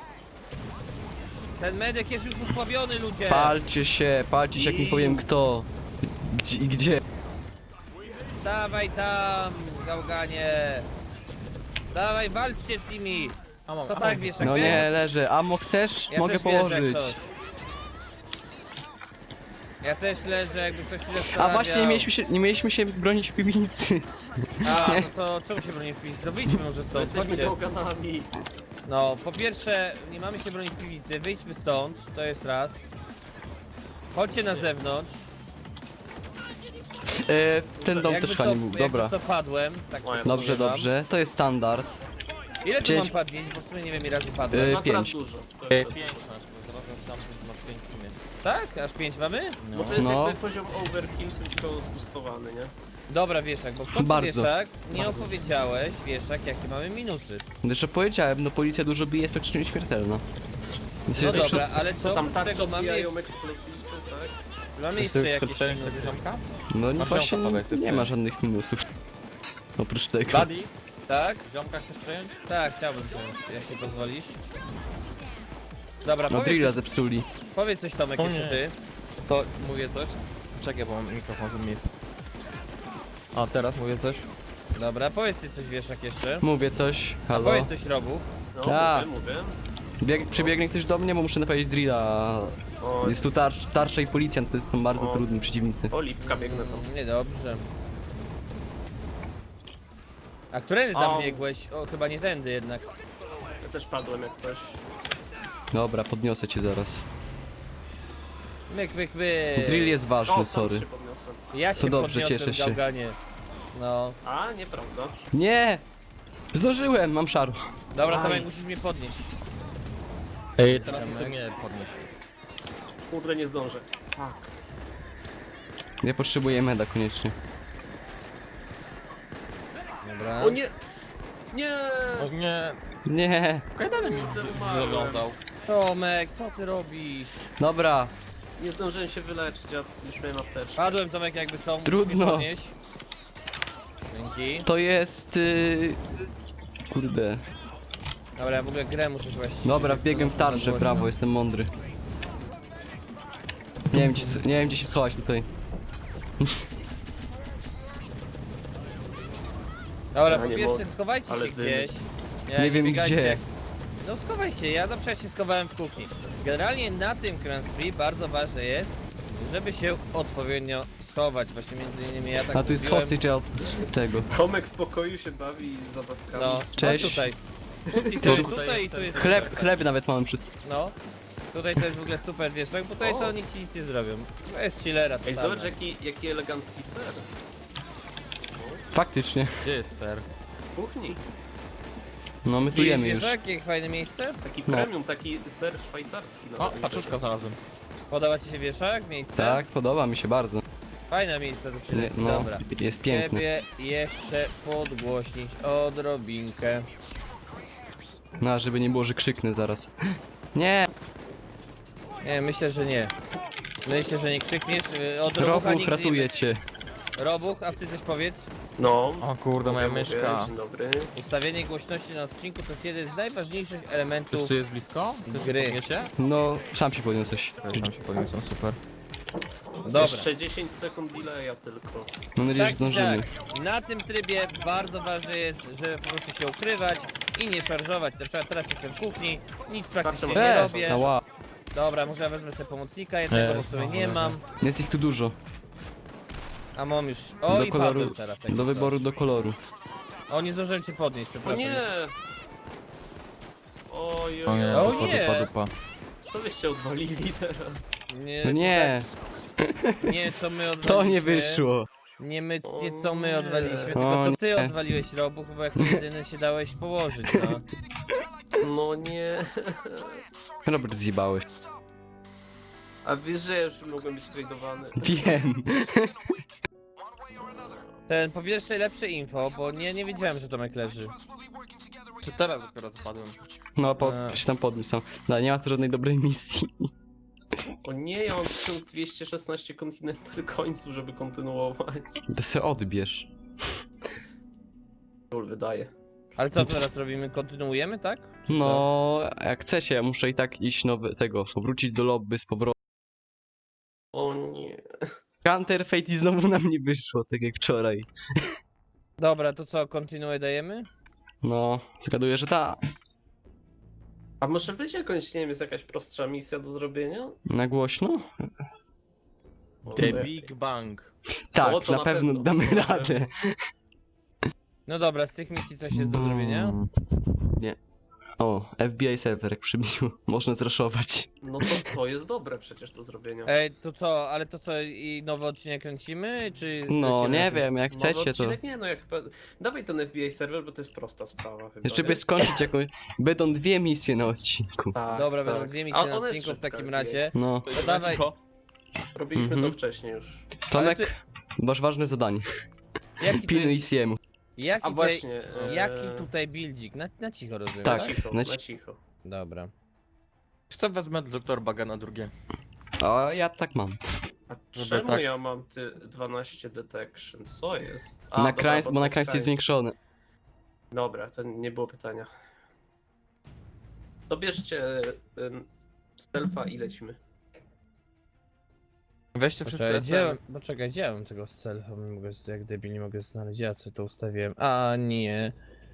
[SPEAKER 2] Ten medyk jest już osłabiony, ludzie.
[SPEAKER 3] Palcie się, palcie się jak nie powiem kto. Gdzie i gdzie.
[SPEAKER 2] Dawaj tam, gałganie. Dawaj, walczcie z nimi.
[SPEAKER 4] A mam,
[SPEAKER 2] To
[SPEAKER 4] a
[SPEAKER 2] tak,
[SPEAKER 4] mam.
[SPEAKER 2] wiesz, jak
[SPEAKER 3] No
[SPEAKER 2] wiesz,
[SPEAKER 3] nie, leżę. Amo chcesz?
[SPEAKER 2] ja
[SPEAKER 3] Mogę
[SPEAKER 2] też wierzę, jak
[SPEAKER 3] położyć.
[SPEAKER 2] coś. Ja też leżę, jakby ktoś się
[SPEAKER 3] A
[SPEAKER 2] zastanawiał.
[SPEAKER 3] właśnie, nie mieliśmy się, nie mieliśmy się bronić w piwnicy.
[SPEAKER 2] A, no to czemu się broni w piwnicy? Zrobiliśmy może
[SPEAKER 1] To
[SPEAKER 2] stąd,
[SPEAKER 1] jesteśmy
[SPEAKER 2] chodźcie.
[SPEAKER 1] gałganami.
[SPEAKER 2] No, po pierwsze, nie mamy się bronić w piwnicy, wyjdźmy stąd, to jest raz. Chodźcie na zewnątrz.
[SPEAKER 3] E, ten dom
[SPEAKER 2] Jakby
[SPEAKER 3] też
[SPEAKER 2] co,
[SPEAKER 3] chyba nie był.
[SPEAKER 2] jakby
[SPEAKER 3] Dobra.
[SPEAKER 2] co padłem, tak
[SPEAKER 1] Oj,
[SPEAKER 2] powiem
[SPEAKER 3] Dobrze,
[SPEAKER 2] wam.
[SPEAKER 3] dobrze. To jest standard.
[SPEAKER 2] Ile tu
[SPEAKER 3] Dzień-
[SPEAKER 2] mam padnieć, bo w sumie nie wiem ile razy padłem.
[SPEAKER 3] Y,
[SPEAKER 1] Akurat
[SPEAKER 3] pięć.
[SPEAKER 1] dużo. To
[SPEAKER 4] E,
[SPEAKER 1] jest-
[SPEAKER 4] Pięć masz, bo zaraz tam masz pięć w sumie.
[SPEAKER 2] Tak? Aż pięć mamy?
[SPEAKER 4] No.
[SPEAKER 1] Bo to jest
[SPEAKER 3] No.
[SPEAKER 1] jakby poziom overkill, tylko zbustowany, nie?
[SPEAKER 2] Dobra, Wieszak, bo w końcu
[SPEAKER 3] Bardzo.
[SPEAKER 2] Wieszak, nie
[SPEAKER 1] Bardzo
[SPEAKER 2] opowiedziałeś, Wieszak, jakie mamy minusy.
[SPEAKER 3] Zresztą powiedziałem, no policja dużo bije, jest praktycznie śmiertelna. Więc
[SPEAKER 2] No
[SPEAKER 3] jeżeli
[SPEAKER 2] dobra, ale co
[SPEAKER 1] Co tam
[SPEAKER 2] oprócz
[SPEAKER 1] tarcze
[SPEAKER 2] tego mamy
[SPEAKER 1] odbijają
[SPEAKER 2] jeszcze,
[SPEAKER 1] eksplozywne, tak?
[SPEAKER 2] mamy jeszcze
[SPEAKER 4] Chcesz
[SPEAKER 2] jakieś
[SPEAKER 4] przejąć
[SPEAKER 2] minusy.
[SPEAKER 4] sobie ziomka?
[SPEAKER 3] No nie,
[SPEAKER 4] Masz
[SPEAKER 3] właśnie
[SPEAKER 4] ziomka,
[SPEAKER 3] nie,
[SPEAKER 4] powiedz,
[SPEAKER 3] nie
[SPEAKER 4] ty.
[SPEAKER 3] ma żadnych minusów. Oprócz tego.
[SPEAKER 4] Buddy,
[SPEAKER 2] Tak?
[SPEAKER 4] ziomka chcesz przejąć?
[SPEAKER 2] Tak, chciałbym wziąć, jak się pozwolisz. Dobra,
[SPEAKER 3] No
[SPEAKER 2] powiedz
[SPEAKER 3] drilla
[SPEAKER 2] coś,
[SPEAKER 3] zepsuli.
[SPEAKER 2] powiedz coś Tomek
[SPEAKER 4] O
[SPEAKER 2] jeszcze
[SPEAKER 4] nie.
[SPEAKER 2] ty.
[SPEAKER 4] To mówię coś? Czekaj, bo mam mikrofon w miejscu. A teraz mówię coś?
[SPEAKER 2] Dobra, powiedz ty coś Wieszak jeszcze.
[SPEAKER 3] Mówię coś. Halo.
[SPEAKER 2] Powiedz coś Robu.
[SPEAKER 1] No,
[SPEAKER 3] A.
[SPEAKER 1] mówię, mówię.
[SPEAKER 3] Bieg, przybiegnie ktoś do mnie, bo muszę naprawić drilla.
[SPEAKER 1] O,
[SPEAKER 3] Jest tu tarcz, tarcza i policjant, to są bardzo
[SPEAKER 1] O.
[SPEAKER 3] trudni przeciwnicy.
[SPEAKER 1] o lipka biegnę tam.
[SPEAKER 2] Mm, Niedobrze. A którędy tam
[SPEAKER 1] Au.
[SPEAKER 2] biegłeś? O, chyba nie tędy jednak.
[SPEAKER 1] Ja też padłem jak coś.
[SPEAKER 3] Dobra, podniosę cię zaraz.
[SPEAKER 2] Myk, myk, myk.
[SPEAKER 3] Drill jest
[SPEAKER 1] O,
[SPEAKER 3] ważny,
[SPEAKER 1] sam
[SPEAKER 3] sorry.
[SPEAKER 1] się podniosłem.
[SPEAKER 2] Ja się
[SPEAKER 3] dobrze,
[SPEAKER 2] podniosłem
[SPEAKER 3] cieszę
[SPEAKER 2] w
[SPEAKER 3] się.
[SPEAKER 2] gałganie. No.
[SPEAKER 1] A, nieprawda.
[SPEAKER 3] Nie! Zdążyłem, mam szaro.
[SPEAKER 2] Dobra,
[SPEAKER 1] Aj.
[SPEAKER 2] Tomek, musisz mnie podnieść.
[SPEAKER 4] Ej, teraz to nie podnieś.
[SPEAKER 1] Kurde, nie zdążę. Tak.
[SPEAKER 3] Ja potrzebuję meda koniecznie.
[SPEAKER 2] Dobra.
[SPEAKER 1] O nie! Nie!
[SPEAKER 4] O nie,
[SPEAKER 3] Nie!
[SPEAKER 4] w kajdany mi
[SPEAKER 1] Kurde,
[SPEAKER 4] z-
[SPEAKER 1] umarłem.
[SPEAKER 4] zawiązał.
[SPEAKER 2] Tomek, co ty robisz?
[SPEAKER 3] Dobra,
[SPEAKER 1] Nie zdążyłem się wyleczyć, ja już miałem apteczkę.
[SPEAKER 2] Padłem Tomek jakby co, musisz
[SPEAKER 3] Trudno.
[SPEAKER 2] mnie podnieść. Dzięki.
[SPEAKER 3] to jest... Yy... Kurde.
[SPEAKER 2] Dobra, ja w ogóle grę muszę chyba ściszyć,
[SPEAKER 3] Dobra,
[SPEAKER 2] jest to
[SPEAKER 3] wbiegłem w
[SPEAKER 2] za
[SPEAKER 3] tarczę,
[SPEAKER 2] głośno.
[SPEAKER 3] brawo, jestem mądry. Nie wiem, gdzie, nie wiem gdzie się schować tutaj.
[SPEAKER 2] Dobra,
[SPEAKER 1] Ja
[SPEAKER 2] po
[SPEAKER 1] nie
[SPEAKER 2] pierwsze
[SPEAKER 1] mogę,
[SPEAKER 2] skowajcie
[SPEAKER 1] ale
[SPEAKER 2] się
[SPEAKER 1] dymy.
[SPEAKER 2] gdzieś.
[SPEAKER 3] Nie wiem
[SPEAKER 2] biegajcie
[SPEAKER 3] gdzie.
[SPEAKER 2] jak- No schowaj się, ja na przykład się schowałem w kuchni. Generalnie na tym Grand Prix bardzo ważne jest, żeby się odpowiednio schować. Właśnie między innymi ja tak
[SPEAKER 3] A tu jest
[SPEAKER 2] zrobiłem.
[SPEAKER 3] hostage od tego.
[SPEAKER 1] Tomek w pokoju się bawi zabawkami.
[SPEAKER 2] No,
[SPEAKER 3] Cześć.
[SPEAKER 2] No tutaj. Tutaj,
[SPEAKER 3] To-
[SPEAKER 2] tutaj, tutaj i tu jest.
[SPEAKER 3] Chleb, chleb nawet mamy przed...
[SPEAKER 2] No. Tutaj to jest w ogóle super wieszak, bo tutaj
[SPEAKER 1] O.
[SPEAKER 2] to nikt ci nic nie zrobią. To jest chillera
[SPEAKER 1] Ej,
[SPEAKER 2] totalna.
[SPEAKER 1] zobacz jaki, jaki elegancki ser.
[SPEAKER 3] Faktycznie.
[SPEAKER 4] Gdzie jest ser?
[SPEAKER 1] W kuchni.
[SPEAKER 3] No my tu
[SPEAKER 2] Widzisz
[SPEAKER 3] jemy już.
[SPEAKER 2] wieszak, jakie fajne miejsce?
[SPEAKER 1] Taki
[SPEAKER 3] No.
[SPEAKER 1] premium, taki ser szwajcarski.
[SPEAKER 4] O,
[SPEAKER 1] nawet.
[SPEAKER 4] paczuszka znalazłem.
[SPEAKER 2] Podoba ci się wieszak, miejsce?
[SPEAKER 3] Tak, podoba mi się bardzo.
[SPEAKER 2] Fajne miejsce do
[SPEAKER 3] Nie,
[SPEAKER 2] chillu.
[SPEAKER 3] no,
[SPEAKER 2] Dobra.
[SPEAKER 3] jest piękny.
[SPEAKER 2] Ciebie jeszcze podgłośnić odrobinkę.
[SPEAKER 3] No, żeby nie było, że krzyknę zaraz. Nie!
[SPEAKER 2] Nie, myślę, że nie. Myślę, że nie krzykniesz. y, Od Robucha
[SPEAKER 3] Robuch
[SPEAKER 2] nigdy nie...
[SPEAKER 3] ratuje cię.
[SPEAKER 2] Robuch, a ty coś powiedz?
[SPEAKER 1] No.
[SPEAKER 4] O kurde, moja
[SPEAKER 1] mówię,
[SPEAKER 4] myszka.
[SPEAKER 1] Dzień dobry.
[SPEAKER 2] Ustawienie głośności na odcinku to jest jeden z najważniejszych
[SPEAKER 4] Ktoś
[SPEAKER 2] elementów.
[SPEAKER 4] tu jest blisko? Ktoś
[SPEAKER 2] Gry.
[SPEAKER 4] mnie podniesie?
[SPEAKER 3] No, sam się podniosłeś.
[SPEAKER 4] Ja sam się podniosłem, super.
[SPEAKER 2] Dobra.
[SPEAKER 1] Jeszcze dziesięć sekund delaya tylko.
[SPEAKER 3] Mam nadzieję, że
[SPEAKER 2] Tak,
[SPEAKER 3] zdążymy.
[SPEAKER 2] tak. Na tym trybie bardzo ważne jest, żeby po prostu się ukrywać i nie szarżować. Na przykład teraz jestem w kuchni, nic praktycznie nie
[SPEAKER 3] Eee,
[SPEAKER 2] robię.
[SPEAKER 3] ała.
[SPEAKER 2] Dobra, może ja wezmę sobie pomocnika jednego,
[SPEAKER 4] Eee,
[SPEAKER 2] bo sobie
[SPEAKER 4] no,
[SPEAKER 2] nie
[SPEAKER 4] no,
[SPEAKER 2] mam.
[SPEAKER 3] Jest ich tu dużo.
[SPEAKER 2] A mam już. O,
[SPEAKER 3] Do
[SPEAKER 2] i
[SPEAKER 3] koloru,
[SPEAKER 2] Paweł teraz. jakby
[SPEAKER 3] do
[SPEAKER 2] co.
[SPEAKER 3] wyboru, do koloru.
[SPEAKER 2] O, nie zdążyłem cię podnieść,
[SPEAKER 1] O
[SPEAKER 2] przepraszam.
[SPEAKER 1] nie! Oj,
[SPEAKER 4] O
[SPEAKER 1] oj,
[SPEAKER 4] nie,
[SPEAKER 2] O
[SPEAKER 1] oj.
[SPEAKER 4] dupa,
[SPEAKER 2] nie.
[SPEAKER 4] dupa, dupa.
[SPEAKER 1] Co byście odwalili teraz?
[SPEAKER 2] Nie,
[SPEAKER 3] No nie,
[SPEAKER 2] nie, co my odwaliliśmy.
[SPEAKER 3] to nie wyszło.
[SPEAKER 2] Nie my,
[SPEAKER 1] O
[SPEAKER 2] nie co my
[SPEAKER 1] nie.
[SPEAKER 2] odwaliliśmy,
[SPEAKER 3] O
[SPEAKER 2] tylko co ty
[SPEAKER 3] nie.
[SPEAKER 2] odwaliłeś, Robuch, bo jako jedyny się dałeś położyć, no.
[SPEAKER 1] No nie.
[SPEAKER 3] Robert, zjebałeś.
[SPEAKER 1] A wiesz, że ja już mogłem być tradowany.
[SPEAKER 3] Wiem.
[SPEAKER 2] Ten, po pierwsze lepsze info, bo nie, nie wiedziałem, że Tomek leży.
[SPEAKER 4] Czy teraz dopiero spadłem?
[SPEAKER 3] No, po,
[SPEAKER 2] Eee.
[SPEAKER 3] się tam podniósł. No, nie ma tu żadnej dobrej misji.
[SPEAKER 1] O nie, ja mam tysiąc dwieście szesnaście kontynental końców, żeby kontynuować.
[SPEAKER 3] To se odbierz.
[SPEAKER 1] Król wydaje.
[SPEAKER 2] Ale co teraz robimy? Kontynuujemy, tak? Czy co?
[SPEAKER 3] No, jak chcecie, ja muszę i tak iść nowy, tego, wrócić do lobby z powrotem.
[SPEAKER 1] O nie.
[SPEAKER 3] Counter Fate i znowu nam nie wyszło, tak jak wczoraj.
[SPEAKER 2] Dobra, to co, kontynuuję dajemy?
[SPEAKER 3] No, zgaduję, że ta.
[SPEAKER 1] A może być jakąś, nie wiem, jest jakaś prostsza misja do zrobienia?
[SPEAKER 3] Na głośno?
[SPEAKER 1] O,
[SPEAKER 4] The
[SPEAKER 1] tak.
[SPEAKER 4] Big Bang.
[SPEAKER 3] Tak,
[SPEAKER 1] O, to
[SPEAKER 3] na,
[SPEAKER 1] na
[SPEAKER 3] pewno
[SPEAKER 1] pewno,
[SPEAKER 3] damy
[SPEAKER 1] na
[SPEAKER 3] radę.
[SPEAKER 1] pewno.
[SPEAKER 2] No dobra, z tych misji coś jest do zrobienia?
[SPEAKER 3] Mm, Nie. O, F B I serwer jak przybił. Można zraszować.
[SPEAKER 1] No to, to jest dobre przecież do zrobienia.
[SPEAKER 2] Ej, to co, ale to co, i nowy odcinek kręcimy, czy...
[SPEAKER 3] No,
[SPEAKER 2] lecimy
[SPEAKER 3] nie
[SPEAKER 2] na tym
[SPEAKER 3] wiem, jak
[SPEAKER 1] Nowy
[SPEAKER 3] chcecie to.
[SPEAKER 1] odcinek? Nie, no jak chyba... Dawaj ten F B I serwer, bo to jest prosta sprawa chyba.
[SPEAKER 3] Jeszcze
[SPEAKER 1] nie?
[SPEAKER 3] by skończyć jakąś. Będą dwie misje na odcinku.
[SPEAKER 1] Tak,
[SPEAKER 2] Dobra,
[SPEAKER 1] tak.
[SPEAKER 2] będą dwie
[SPEAKER 1] A
[SPEAKER 2] misje na
[SPEAKER 1] ona jest
[SPEAKER 2] odcinku w
[SPEAKER 1] szybka,
[SPEAKER 2] takim
[SPEAKER 1] F B I.
[SPEAKER 2] razie.
[SPEAKER 3] No,
[SPEAKER 2] To dawaj.
[SPEAKER 1] Robiliśmy
[SPEAKER 3] Mhm.
[SPEAKER 1] to wcześniej już.
[SPEAKER 3] Tomek,
[SPEAKER 2] ty-
[SPEAKER 3] masz ważne zadanie.
[SPEAKER 2] Jaki tu
[SPEAKER 3] Pilnuj
[SPEAKER 2] jest,
[SPEAKER 3] C M.
[SPEAKER 2] jaki
[SPEAKER 1] A
[SPEAKER 2] tutaj,
[SPEAKER 1] właśnie... e,
[SPEAKER 2] jaki tutaj buildzik? Na, na cicho rozumiem,
[SPEAKER 3] Tak.
[SPEAKER 1] Na
[SPEAKER 2] tak?
[SPEAKER 1] cicho,
[SPEAKER 3] na
[SPEAKER 1] na
[SPEAKER 3] ci-
[SPEAKER 1] cicho.
[SPEAKER 2] Dobra.
[SPEAKER 4] Chcę wezmę doktor Baga na drugie.
[SPEAKER 3] A ja tak mam.
[SPEAKER 1] A
[SPEAKER 4] Żeby
[SPEAKER 1] czemu
[SPEAKER 4] tak-
[SPEAKER 1] ja mam ty dwanaście detection? Co jest? A,
[SPEAKER 3] Na
[SPEAKER 1] dobra,
[SPEAKER 3] krańc,
[SPEAKER 1] bo
[SPEAKER 3] bo
[SPEAKER 1] to
[SPEAKER 3] na krańc
[SPEAKER 1] krańc.
[SPEAKER 3] jest zwiększony.
[SPEAKER 1] Dobra, to nie było pytania. To bierzcie ym, stealtha i lecimy.
[SPEAKER 4] Weźcie wszyscy
[SPEAKER 2] Poczekaj, gdzie,
[SPEAKER 4] E C.
[SPEAKER 2] bo czekaj, gdzie ja mam tego selfa? Nie mogę, jak debil nie mogę znaleźć, ja co to ustawiłem? A nie.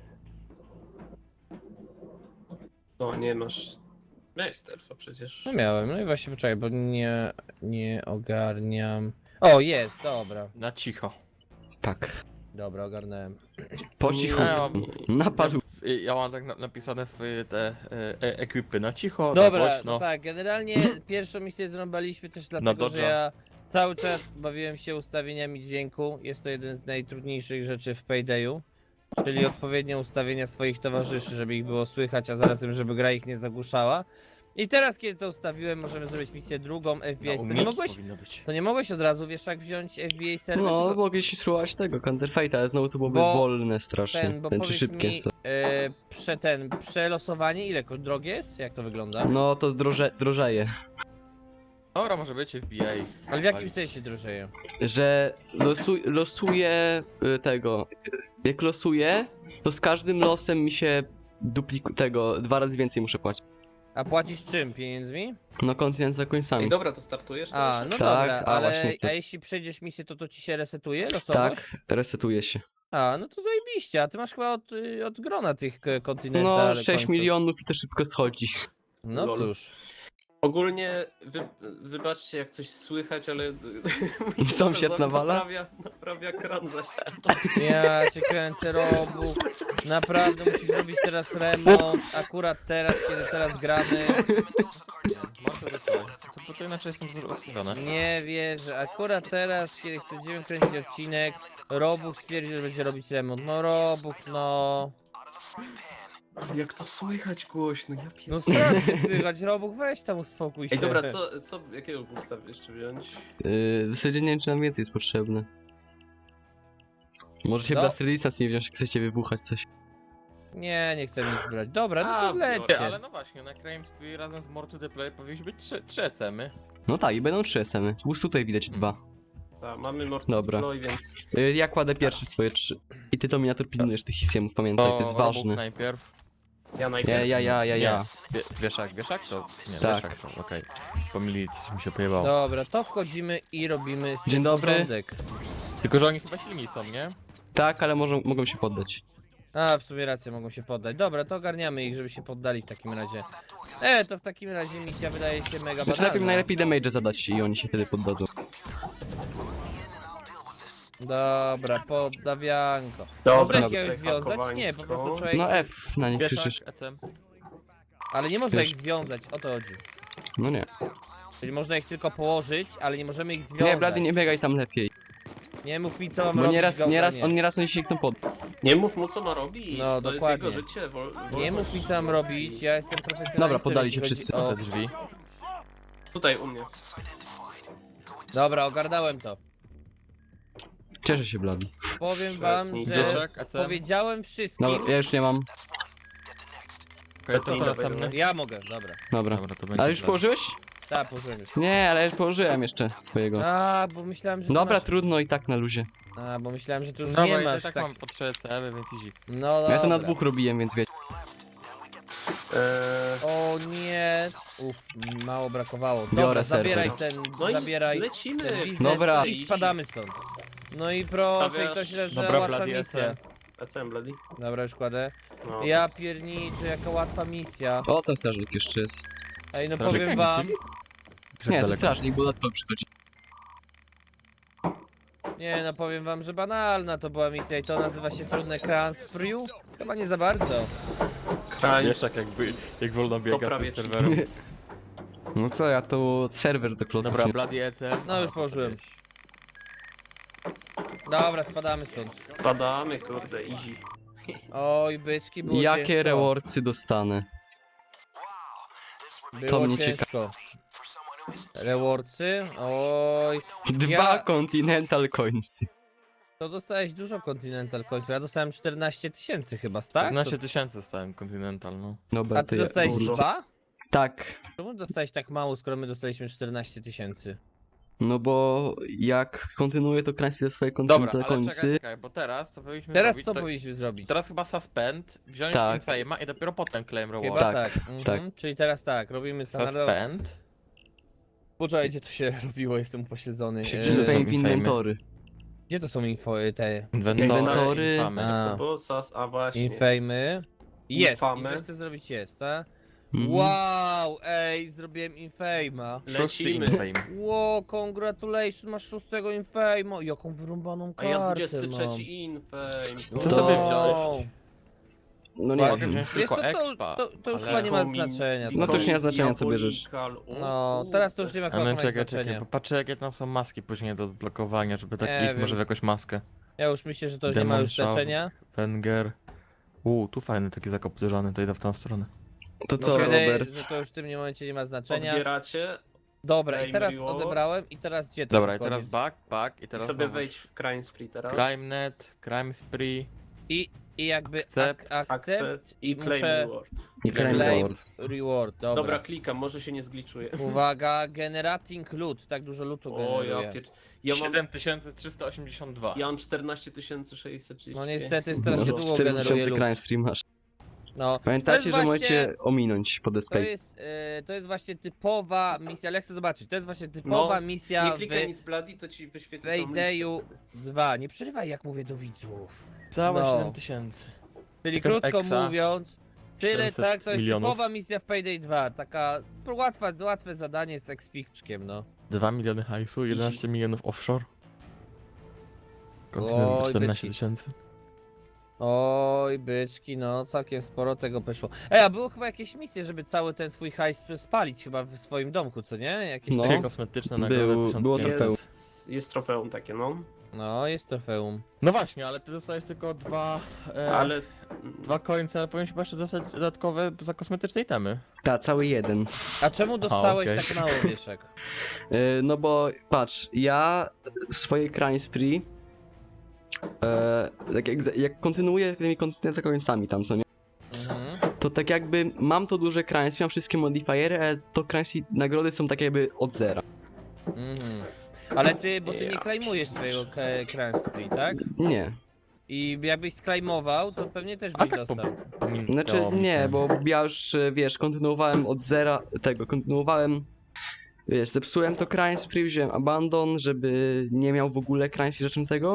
[SPEAKER 1] No nie masz... Miałeś stealtha przecież.
[SPEAKER 2] No miałem, no i właśnie poczekaj, bo nie, nie ogarniam. O, jest, dobra.
[SPEAKER 4] Na cicho.
[SPEAKER 3] Tak.
[SPEAKER 2] Dobra, ogarnąłem.
[SPEAKER 3] Po
[SPEAKER 4] Ja
[SPEAKER 3] cichu.
[SPEAKER 4] mam,
[SPEAKER 3] Na palu.
[SPEAKER 4] ja, ja mam tak na, napisane swoje te e, e, ekwipy na cicho,
[SPEAKER 2] Dobra,
[SPEAKER 4] na
[SPEAKER 2] no
[SPEAKER 4] głośno.
[SPEAKER 2] tak, generalnie pierwszą misję zrąbaliśmy też dlatego, że
[SPEAKER 4] Dodge'a.
[SPEAKER 2] ja cały czas bawiłem się ustawieniami dźwięku. Jest to jeden z najtrudniejszych rzeczy w Paydayu. Czyli odpowiednie ustawienia swoich towarzyszy, żeby ich było słychać, a zarazem, żeby gra ich nie zagłuszała. I teraz, kiedy to ustawiłem, możemy zrobić misję drugą, F B I.
[SPEAKER 4] Na
[SPEAKER 2] To nie
[SPEAKER 4] umiki
[SPEAKER 2] mogłeś,
[SPEAKER 4] powinno być.
[SPEAKER 2] to nie mogłeś od razu, wiesz, jak wziąć F B I serwer?
[SPEAKER 3] No,
[SPEAKER 2] tylko
[SPEAKER 3] mogliście spróbować tego, Counter Fate, ale znowu to byłoby
[SPEAKER 2] Bo
[SPEAKER 3] wolne strasznie.
[SPEAKER 2] ten, bo
[SPEAKER 3] Ten, czy
[SPEAKER 2] powiedz
[SPEAKER 3] szybkie,
[SPEAKER 2] mi,
[SPEAKER 3] co?
[SPEAKER 2] e, prze, ten, przelosowanie, ile ko- drogie jest? Jak to wygląda?
[SPEAKER 3] No, to zdroże, drożeje.
[SPEAKER 4] Dobra, może być F B I.
[SPEAKER 2] Ale w jakim sensie drożeje?
[SPEAKER 3] Że losu, losuję y, tego. Jak losuję, to z każdym losem mi się dupliku tego, dwa razy więcej muszę płacić.
[SPEAKER 2] A płacisz czym? Pieniędzmi?
[SPEAKER 3] No, kontynent za końcami.
[SPEAKER 1] Ej, dobra, to startujesz
[SPEAKER 2] A,
[SPEAKER 1] teraz?
[SPEAKER 2] no
[SPEAKER 3] Tak,
[SPEAKER 2] dobra,
[SPEAKER 3] a
[SPEAKER 2] ale
[SPEAKER 3] właśnie
[SPEAKER 2] a
[SPEAKER 3] niestety.
[SPEAKER 2] jeśli przejdziesz misję, to to ci się resetuje losowość?
[SPEAKER 3] Tak, resetuje się.
[SPEAKER 2] A, no to zajebiście, a ty masz chyba od, y, od grona tych k- kontynentów.
[SPEAKER 3] No, sześć milionów i to szybko schodzi.
[SPEAKER 2] No
[SPEAKER 1] Lol.
[SPEAKER 2] cóż.
[SPEAKER 1] Ogólnie, wy, wybaczcie jak coś słychać, ale... mój
[SPEAKER 3] Sąsiad
[SPEAKER 1] telefon
[SPEAKER 3] nawala?
[SPEAKER 1] Naprawia, naprawia kran za ścianą.
[SPEAKER 2] Ja cię kręcę, Robu. Naprawdę musisz robić teraz remont, akurat teraz, kiedy teraz gramy.
[SPEAKER 4] Nie, mam to tutaj. To, bo to inaczej są rozstawione.
[SPEAKER 2] Nie wierzę, akurat teraz, kiedy chcemy kręcić odcinek, Robuch stwierdził, że będzie robić remont. No Robuch, no.
[SPEAKER 1] Ale jak to słychać głośno, ja
[SPEAKER 2] No
[SPEAKER 1] pierdolę.
[SPEAKER 2] strasznie słychać, Robuch, weź tam uspokój się.
[SPEAKER 1] Ej, dobra, co, co, jakiego gusta jeszcze wziąć?
[SPEAKER 3] Yy, w zasadzie nie wiem, czy nam więcej jest potrzebne. Możecie
[SPEAKER 2] No.
[SPEAKER 3] Blaster Distance nie wziąć, jak chcecie wybuchać coś.
[SPEAKER 2] Nie, nie chcę nic brać. Dobra, no
[SPEAKER 1] A,
[SPEAKER 2] to
[SPEAKER 1] biorę.
[SPEAKER 2] wlećcie.
[SPEAKER 4] Ale no właśnie, na Crime Spree razem z More to the Play powinniśmy być trzy, trzy E C-my.
[SPEAKER 3] No tak, i będą trzy S M y. Już tutaj widać dwa.
[SPEAKER 1] Tak, mamy
[SPEAKER 3] Dobra.
[SPEAKER 1] Mortal więc
[SPEAKER 3] Y, Ja kładę pierwszy swoje trzy. I ty Dominator pilnujesz tych hisiemów, pamiętaj, to jest
[SPEAKER 4] Robuch
[SPEAKER 3] ważne.
[SPEAKER 4] najpierw.
[SPEAKER 1] ja najpierw.
[SPEAKER 3] Ja, ja, ja, ja,
[SPEAKER 4] Nie.
[SPEAKER 3] ja.
[SPEAKER 4] Wie, wieszak, wieszak to? Nie,
[SPEAKER 3] Tak.
[SPEAKER 4] wieszak to, okej. Pomylić mi się pojebało.
[SPEAKER 2] Dobra, to wchodzimy i robimy z tym
[SPEAKER 3] Dzień dobry.
[SPEAKER 2] porządek.
[SPEAKER 4] Tylko, że oni chyba silni są, nie?
[SPEAKER 3] Tak, ale może, mogą się poddać.
[SPEAKER 2] A, w sumie rację, mogą się poddać. Dobra, to ogarniamy ich, żeby się poddali w takim razie. E, to w takim razie misja wydaje się mega
[SPEAKER 3] Znaczy najpierw
[SPEAKER 2] banalna.
[SPEAKER 3] najlepiej damage zadać i oni się wtedy poddadzą.
[SPEAKER 2] Dobra, poddawianko.
[SPEAKER 1] Dobra,
[SPEAKER 2] Można ich
[SPEAKER 1] tutaj
[SPEAKER 2] jakoś związać? Nie, po prostu trzeba ich...
[SPEAKER 3] No F na nich krzyczysz.
[SPEAKER 4] Wieszak, E C M.
[SPEAKER 2] Ale nie można
[SPEAKER 3] Wiesz-
[SPEAKER 2] ich związać, o to chodzi.
[SPEAKER 3] No nie.
[SPEAKER 2] Czyli można ich tylko położyć, ale nie możemy ich związać.
[SPEAKER 3] Nie, Blady, nie biegaj tam lepiej.
[SPEAKER 2] Nie mów mi co mam
[SPEAKER 3] Bo
[SPEAKER 2] robić,
[SPEAKER 3] nieraz, nieraz,
[SPEAKER 2] gałganie.
[SPEAKER 3] on nieraz oni się chcą poddać.
[SPEAKER 1] Nie mów mu co ma robić,
[SPEAKER 2] No,
[SPEAKER 1] to
[SPEAKER 2] dokładnie.
[SPEAKER 1] jest jego życie. Wol,
[SPEAKER 2] Nie
[SPEAKER 1] wolność
[SPEAKER 2] mów mi co mam
[SPEAKER 1] własnej.
[SPEAKER 2] robić, ja jestem profesjonalistą.
[SPEAKER 3] Dobra, poddali
[SPEAKER 2] jeśli
[SPEAKER 3] się
[SPEAKER 2] chodzi
[SPEAKER 3] wszyscy.
[SPEAKER 2] O...
[SPEAKER 4] Te drzwi.
[SPEAKER 1] Tutaj u mnie.
[SPEAKER 2] Dobra, ogarnąłem to.
[SPEAKER 3] Cieszę się, Blady.
[SPEAKER 2] Powiem wam,
[SPEAKER 1] Świetnie.
[SPEAKER 2] że
[SPEAKER 4] Wieszak, E C M.
[SPEAKER 2] powiedziałem wszystkim.
[SPEAKER 3] Dobra, ja już nie mam.
[SPEAKER 4] Okej, to, to
[SPEAKER 1] Dobra,
[SPEAKER 4] następny.
[SPEAKER 2] Ja mogę, dobra.
[SPEAKER 3] Dobra.
[SPEAKER 4] Dobra, to będzie
[SPEAKER 3] Ale już
[SPEAKER 4] plan.
[SPEAKER 3] położyłeś?
[SPEAKER 2] Tak, położyłem już.
[SPEAKER 3] Nie, ale już położyłem jeszcze swojego.
[SPEAKER 2] A, bo myślałem, że ty
[SPEAKER 3] Dobra,
[SPEAKER 2] masz...
[SPEAKER 3] trudno i tak na luzie.
[SPEAKER 2] A, bo myślałem, że tu już
[SPEAKER 4] Dobra,
[SPEAKER 2] nie
[SPEAKER 4] ja
[SPEAKER 2] masz
[SPEAKER 4] tak,
[SPEAKER 2] tak...
[SPEAKER 4] mam po trzy C M, więc easy.
[SPEAKER 2] No dobra.
[SPEAKER 3] Ja to na dwóch robiłem, więc wiecie.
[SPEAKER 1] Eee,
[SPEAKER 2] O nie. Uff, mało brakowało. Dobra,
[SPEAKER 3] Biorę
[SPEAKER 2] zabieraj
[SPEAKER 3] serwer.
[SPEAKER 2] ten,
[SPEAKER 1] no
[SPEAKER 2] zabieraj
[SPEAKER 1] i lecimy.
[SPEAKER 2] ten biznes
[SPEAKER 3] Dobra.
[SPEAKER 2] i spadamy stąd. No i proszę,
[SPEAKER 1] Stawiasz-
[SPEAKER 2] ktoś leży,
[SPEAKER 4] Dobra,
[SPEAKER 2] łatwa
[SPEAKER 4] Bloody
[SPEAKER 2] misja.
[SPEAKER 4] S M.
[SPEAKER 1] A co mam, Bloody?
[SPEAKER 2] Dobra, już kładę.
[SPEAKER 1] No.
[SPEAKER 2] Ja pierniczę, jaka łatwa misja.
[SPEAKER 3] O, tam strażnik jeszcze jest.
[SPEAKER 2] Ej, no
[SPEAKER 4] Strażnik
[SPEAKER 2] powiem
[SPEAKER 4] nie
[SPEAKER 2] wam...
[SPEAKER 4] cywil?
[SPEAKER 3] Nie, to
[SPEAKER 4] daleko.
[SPEAKER 3] strażnik, bo dodatkowo przychodzi.
[SPEAKER 2] Nie, no powiem wam, że banalna to była misja i to nazywa się trudne Crans Frew? Chyba nie za bardzo.
[SPEAKER 1] Kraj.
[SPEAKER 4] Wieszak jakby, jak wolno biega
[SPEAKER 1] prawie
[SPEAKER 4] z tym serwerem.
[SPEAKER 3] No co, ja to serwer do kloców.
[SPEAKER 4] Dobra,
[SPEAKER 3] nie-
[SPEAKER 4] Bloody E C M.
[SPEAKER 2] No już położyłem. Dobra, spadamy stąd.
[SPEAKER 1] Padamy, kurde, easy.
[SPEAKER 2] Oj, byczki, było
[SPEAKER 3] Jakie
[SPEAKER 2] ciężko.
[SPEAKER 3] rewardsy dostanę?
[SPEAKER 2] Było
[SPEAKER 3] to mnie
[SPEAKER 2] ciężko. Rewardsy? Oj,
[SPEAKER 3] Dwa
[SPEAKER 2] Ja-
[SPEAKER 3] Continental Coins.
[SPEAKER 2] to dostałeś dużo Continental Coins. Ja dostałem czternaście tysięcy chyba, tak?
[SPEAKER 4] czternaście tysięcy stałem Continental, no.
[SPEAKER 3] Dobra,
[SPEAKER 2] A ty
[SPEAKER 3] ja-
[SPEAKER 2] dostałeś
[SPEAKER 1] dużo.
[SPEAKER 2] dwa?
[SPEAKER 3] Tak.
[SPEAKER 2] Czemu dostałeś tak mało, skoro my dostaliśmy czternaście tysięcy?
[SPEAKER 3] No bo jak kontynuuję to krańcy ze swoje
[SPEAKER 4] Dobra,
[SPEAKER 3] Continental
[SPEAKER 4] ale czekaj,
[SPEAKER 3] Coinsy.
[SPEAKER 4] czekaj, bo teraz co powinniśmy
[SPEAKER 2] Teraz
[SPEAKER 4] zrobić,
[SPEAKER 2] co
[SPEAKER 4] to...
[SPEAKER 2] powinniśmy zrobić?
[SPEAKER 4] Teraz chyba suspend, wziąć
[SPEAKER 3] Tak.
[SPEAKER 4] Infame'a i dopiero potem claim
[SPEAKER 2] Chyba
[SPEAKER 4] reward.
[SPEAKER 2] tak.
[SPEAKER 3] Tak,
[SPEAKER 2] Mhm.
[SPEAKER 3] tak.
[SPEAKER 2] Czyli teraz tak, robimy standardowo.
[SPEAKER 4] Suspend.
[SPEAKER 2] Poczekaj, gdzie to się robiło, jestem upośledzony.
[SPEAKER 4] Się
[SPEAKER 2] Eee,
[SPEAKER 4] dzieje.
[SPEAKER 3] Fame
[SPEAKER 4] Fame.
[SPEAKER 3] inwentory.
[SPEAKER 2] Gdzie to są info, te
[SPEAKER 4] Inwentory.
[SPEAKER 3] Inwentory.
[SPEAKER 4] Infamy.
[SPEAKER 2] A.
[SPEAKER 1] To było sas, a właśnie.
[SPEAKER 2] infamy? Jest,
[SPEAKER 1] Infamy.
[SPEAKER 2] i coś chcę zrobić jest, tak?
[SPEAKER 3] Mhm.
[SPEAKER 2] Wow, ej, zrobiłem infama.
[SPEAKER 4] Szósty
[SPEAKER 1] Lecimy.
[SPEAKER 4] Infame.
[SPEAKER 2] Wow, congratulations, masz szóstego infama. Jaką wyrąbaną
[SPEAKER 1] A
[SPEAKER 2] kartę
[SPEAKER 1] ja
[SPEAKER 2] mam.
[SPEAKER 1] dwudziesty trzeci infame.
[SPEAKER 4] Co
[SPEAKER 3] To-
[SPEAKER 4] sobie wziąłeś?
[SPEAKER 3] No nie
[SPEAKER 4] Mogę
[SPEAKER 3] wiem.
[SPEAKER 4] wziąć
[SPEAKER 2] Wiesz co,
[SPEAKER 4] tylko
[SPEAKER 2] to,
[SPEAKER 4] expa,
[SPEAKER 2] to, to już
[SPEAKER 4] ale-
[SPEAKER 2] chyba nie ma
[SPEAKER 1] Komin-
[SPEAKER 2] znaczenia.
[SPEAKER 3] No to już nie ma znaczenia, co bierzesz.
[SPEAKER 1] Diabolical, o
[SPEAKER 2] No,
[SPEAKER 1] kurde.
[SPEAKER 2] teraz to już nie ma
[SPEAKER 4] A
[SPEAKER 2] chyba
[SPEAKER 4] no
[SPEAKER 2] chyba
[SPEAKER 4] czekaj, czekaj,
[SPEAKER 2] znaczenia.
[SPEAKER 4] bo patrzę jakie tam są maski później do odblokowania, żeby tak
[SPEAKER 2] Nie
[SPEAKER 4] ich może
[SPEAKER 2] wiem.
[SPEAKER 4] w jakąś maskę.
[SPEAKER 2] Ja już myślę, że to już nie ma
[SPEAKER 4] Demon
[SPEAKER 2] już
[SPEAKER 4] Shaft.
[SPEAKER 2] znaczenia.
[SPEAKER 4] Wenger. Uuu, tu fajny taki zakoptyżany, to idę w tą stronę.
[SPEAKER 3] To
[SPEAKER 2] Mi
[SPEAKER 3] co,
[SPEAKER 2] się wydaje,
[SPEAKER 3] Robert?
[SPEAKER 2] że to już w tym momencie nie ma znaczenia.
[SPEAKER 1] Odbieracie
[SPEAKER 2] Dobra, i
[SPEAKER 1] Claim
[SPEAKER 2] teraz
[SPEAKER 1] reward.
[SPEAKER 2] odebrałem i teraz gdzie to
[SPEAKER 4] Dobra,
[SPEAKER 2] się
[SPEAKER 4] i teraz
[SPEAKER 2] wchodzi?
[SPEAKER 4] back, back i
[SPEAKER 1] i
[SPEAKER 4] teraz
[SPEAKER 1] sobie
[SPEAKER 4] znowu
[SPEAKER 1] wejdź w Crime Spree teraz.
[SPEAKER 4] CrimeNet, Crime Spree.
[SPEAKER 2] I, i jakby
[SPEAKER 4] Accept.
[SPEAKER 2] ak akcept
[SPEAKER 1] Accept i claim
[SPEAKER 2] muszę-
[SPEAKER 1] reward.
[SPEAKER 3] Nie claim
[SPEAKER 2] claim
[SPEAKER 3] reward.
[SPEAKER 2] reward, dobra.
[SPEAKER 1] Dobra, klikam, może się nie zgliczuje.
[SPEAKER 2] Uwaga, generating loot, tak dużo lootu
[SPEAKER 1] O, ja
[SPEAKER 2] generuje.
[SPEAKER 1] pier... Ja mam,
[SPEAKER 4] siedem tysięcy trzysta osiemdziesiąt dwa.
[SPEAKER 1] ja mam czternaście tysięcy sześćset trzydzieści
[SPEAKER 2] No
[SPEAKER 1] pięć.
[SPEAKER 2] niestety
[SPEAKER 3] No,
[SPEAKER 2] strasznie długo
[SPEAKER 3] cztery
[SPEAKER 2] generuje
[SPEAKER 3] tysiące
[SPEAKER 2] loot.
[SPEAKER 3] crime stream masz.
[SPEAKER 2] No, To
[SPEAKER 3] Pamiętajcie,
[SPEAKER 2] jest
[SPEAKER 3] że
[SPEAKER 2] właśnie-
[SPEAKER 3] możecie ominąć pod
[SPEAKER 2] to
[SPEAKER 3] escape.
[SPEAKER 2] jest, e, to jest właśnie typowa misja, ale ja chcę zobaczyć, to jest właśnie typowa
[SPEAKER 1] No,
[SPEAKER 2] misja
[SPEAKER 1] Nie klikaj
[SPEAKER 2] w
[SPEAKER 1] nic Bloody, to ci wyświetli
[SPEAKER 2] Paydayu
[SPEAKER 1] całą listę wtedy.
[SPEAKER 2] dwa. Nie przerywaj jak mówię do widzów.
[SPEAKER 4] Całe
[SPEAKER 2] No.
[SPEAKER 4] siedem tysięcy.
[SPEAKER 2] Czyli
[SPEAKER 4] Tylko
[SPEAKER 2] krótko
[SPEAKER 4] Exa,
[SPEAKER 2] mówiąc, tyle
[SPEAKER 4] siedemset
[SPEAKER 2] tak, to jest
[SPEAKER 4] milionów.
[SPEAKER 2] typowa misja w Payday dwa, taka łatwa, łatwe zadanie z ekspiczkiem, no.
[SPEAKER 4] dwa miliony hajsu, jedenaście milionów offshore. Kontynent
[SPEAKER 2] Oj,
[SPEAKER 4] czternaście
[SPEAKER 2] byczki.
[SPEAKER 4] tysięcy.
[SPEAKER 2] Oj, byczki, no całkiem sporo tego poszło. Ej, a było chyba jakieś misje, żeby cały ten swój hajs spalić chyba w swoim domku, co nie? Jakieś
[SPEAKER 3] No.
[SPEAKER 2] takie...
[SPEAKER 4] Takie kosmetyczne
[SPEAKER 3] Był-
[SPEAKER 4] nagrody tysiąc
[SPEAKER 3] było
[SPEAKER 4] pięćset.
[SPEAKER 3] trofeum.
[SPEAKER 1] Jest, jest trofeum takie, no.
[SPEAKER 2] No, jest trofeum.
[SPEAKER 4] No właśnie, ale ty dostałeś tylko dwa... E,
[SPEAKER 1] Ale...
[SPEAKER 4] Dwa końce, ale powinieneś chyba jeszcze dostać dodatkowe za kosmetyczne itemy.
[SPEAKER 3] Ta, cały jeden.
[SPEAKER 2] A czemu dostałeś
[SPEAKER 4] okej.
[SPEAKER 2] tak mało, Wieszek?
[SPEAKER 3] Yy, no bo patrz, ja swoje crime spree, e, tak jak, jak kontynuuję tymi końcami tam, co nie?
[SPEAKER 2] Mhm.
[SPEAKER 3] To tak jakby mam to duże crime, mam wszystkie modifiery, ale to crime nagrody są tak jakby od zera.
[SPEAKER 2] Mhm. Ale ty, bo ty nie
[SPEAKER 1] Ja
[SPEAKER 2] klejmujesz swojego k- Crime Spree, tak?
[SPEAKER 3] Nie.
[SPEAKER 2] I jakbyś sklejmował, to pewnie też
[SPEAKER 4] A
[SPEAKER 2] byś
[SPEAKER 4] tak po,
[SPEAKER 2] dostał.
[SPEAKER 4] pomilkało
[SPEAKER 3] Znaczy
[SPEAKER 4] mi
[SPEAKER 3] nie,
[SPEAKER 4] ten.
[SPEAKER 3] bo ja już, e, wiesz, kontynuowałem od zera tego, kontynuowałem, wiesz, zepsułem to Crime Spree, wziąłem Abandon, żeby nie miał w ogóle Crime Spree rzeczą tego.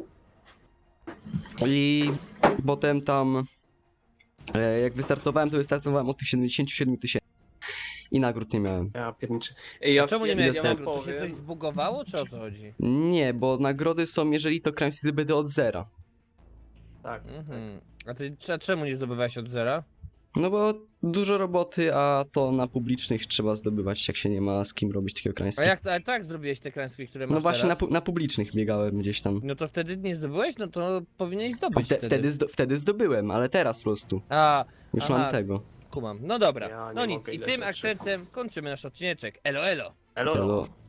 [SPEAKER 3] I potem tam, e, jak wystartowałem, to wystartowałem od tych siedemdziesięciu siedmiu tysięcy i nagród nie miałem.
[SPEAKER 1] Ja pierniczę. Ej, ja,
[SPEAKER 2] A czemu nie
[SPEAKER 1] ja,
[SPEAKER 2] miałeś
[SPEAKER 1] ja
[SPEAKER 2] nagród? To się
[SPEAKER 1] powiem-
[SPEAKER 2] coś zbugowało, czy o co chodzi?
[SPEAKER 3] Nie, bo nagrody są, jeżeli to Crime Spree zbyt od zera.
[SPEAKER 1] Tak,
[SPEAKER 2] Mhm. A ty a czemu nie zdobywałeś od zera?
[SPEAKER 3] No bo dużo roboty, a to na publicznych trzeba zdobywać, jak się nie ma z kim robić takiego Crime
[SPEAKER 2] A
[SPEAKER 3] Spree.
[SPEAKER 2] jak ale tak zrobiłeś te Crime Spree, które masz
[SPEAKER 3] No właśnie na,
[SPEAKER 2] teraz?
[SPEAKER 3] pu- na publicznych biegałem gdzieś tam.
[SPEAKER 2] No to wtedy nie zdobyłeś? No to powinieneś zdobyć
[SPEAKER 3] Wte-
[SPEAKER 2] wtedy.
[SPEAKER 3] wtedy, zdo- wtedy zdobyłem, ale teraz po prostu.
[SPEAKER 2] A,
[SPEAKER 3] Już
[SPEAKER 2] Aha.
[SPEAKER 3] mam tego.
[SPEAKER 2] kumam. No dobra.
[SPEAKER 1] Ja nie
[SPEAKER 2] no nic,
[SPEAKER 1] mogę,
[SPEAKER 2] i
[SPEAKER 1] ile
[SPEAKER 2] tym
[SPEAKER 1] rzeczy.
[SPEAKER 2] akcentem kończymy nasz odcineczek. Elo, elo.
[SPEAKER 1] Elo, elo.
[SPEAKER 3] Elo.